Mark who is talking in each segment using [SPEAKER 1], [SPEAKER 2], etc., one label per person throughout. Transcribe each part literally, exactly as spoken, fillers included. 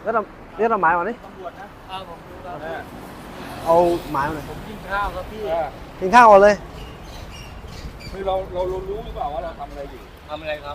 [SPEAKER 1] แล้วเราเรียกเราหมายมาดิ
[SPEAKER 2] ตำรวจนะอ้าวผมดูแล้ว
[SPEAKER 1] เอาหมายมาหน่อย
[SPEAKER 2] ผมกินข้าวครับพี่
[SPEAKER 1] กินข้าวก่อนเลย
[SPEAKER 3] คือเราเรารู้หรือเปล่าว่าเราทำอะไรอยู่
[SPEAKER 2] ทำอะไรครับ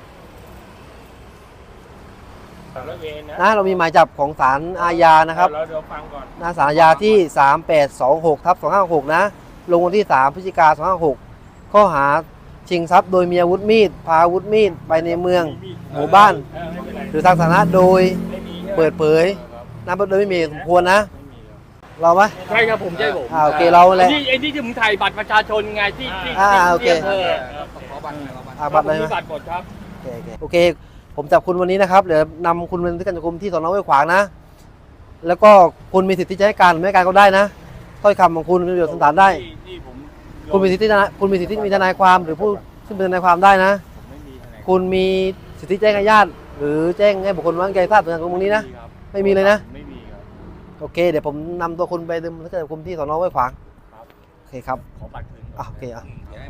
[SPEAKER 3] สารเวรนะ
[SPEAKER 1] นะเรามีหมายจับของศาลอาญานะครับ
[SPEAKER 3] เราเดี๋ยวฟังก่อน
[SPEAKER 1] หน้าศาลอาญาที่ สามแปดสองหกทับสองห้าหกนะ ลงวันที่ สามพฤศจิกายนสองห้าหกข้อหาชิงทรัพย์โดยมีอาวุธมีด พาอาวุธมีดไปในเมือง หมู่บ้าน
[SPEAKER 3] เออไม่เป็นไร
[SPEAKER 1] หรือทางสาธารณะโดย
[SPEAKER 3] ไม่มี
[SPEAKER 1] เปิดเผยนะโดยไม่มีเหตุสมควรนะ
[SPEAKER 3] ไม่มีครับ
[SPEAKER 1] เราไหม
[SPEAKER 2] ใช่ครับผมใช่ผม
[SPEAKER 1] อ่าโอเคเราแหละ
[SPEAKER 2] ที่ไอ้ที่ที่ผมถ่ายบัตรประชาชนไงที่ที่
[SPEAKER 1] อ่า
[SPEAKER 2] ที่
[SPEAKER 1] โอเค
[SPEAKER 2] ที่อำภอ
[SPEAKER 3] ขอบัตรหน่อยขอบัตร
[SPEAKER 1] อ่าบัตรเลย
[SPEAKER 2] ผม
[SPEAKER 1] ไหม
[SPEAKER 2] มีบัตรหมดครับ
[SPEAKER 1] โอเคโอเคโอเค ผมจับคุณวันนี้นะครับเดี๋ยวนำคุณไปที่การจับกุมที่สอนอห้วยขวางนะ แล้วก็คุณมีสิทธิ์ที่จะให้การหรือไม่ให้การก็ได้นะถ้อยคำของคุณเป็นประโยชน์สันตานได้
[SPEAKER 3] ที่ที่ผม
[SPEAKER 1] คุณมีสิทธิ์ที่จะคุณมีสิทธิ์ที่มีทนายความหรือผู้ซึ่งเป็นทนายความได้นะ
[SPEAKER 3] ผมไม่มีทนาย
[SPEAKER 1] คุณมีสิทธิแจ้งให้ญาติหรือแจ้งให้บุคคลไว้วางใจทราบถึงการกระทำนี้นะ
[SPEAKER 3] ครับ
[SPEAKER 1] ไม่มีเลยนะ
[SPEAKER 3] ไม่มีครับ
[SPEAKER 1] โอเค เดี๋ยวผมนำตัวคุณไปดำเนินคดีที่สอนอห้วยขวาง
[SPEAKER 3] ครับ
[SPEAKER 1] โอเคครับ
[SPEAKER 3] ขอบัตรคืนก่น
[SPEAKER 1] อ่ะโอเคอ่ะ
[SPEAKER 3] เดี๋ยวให้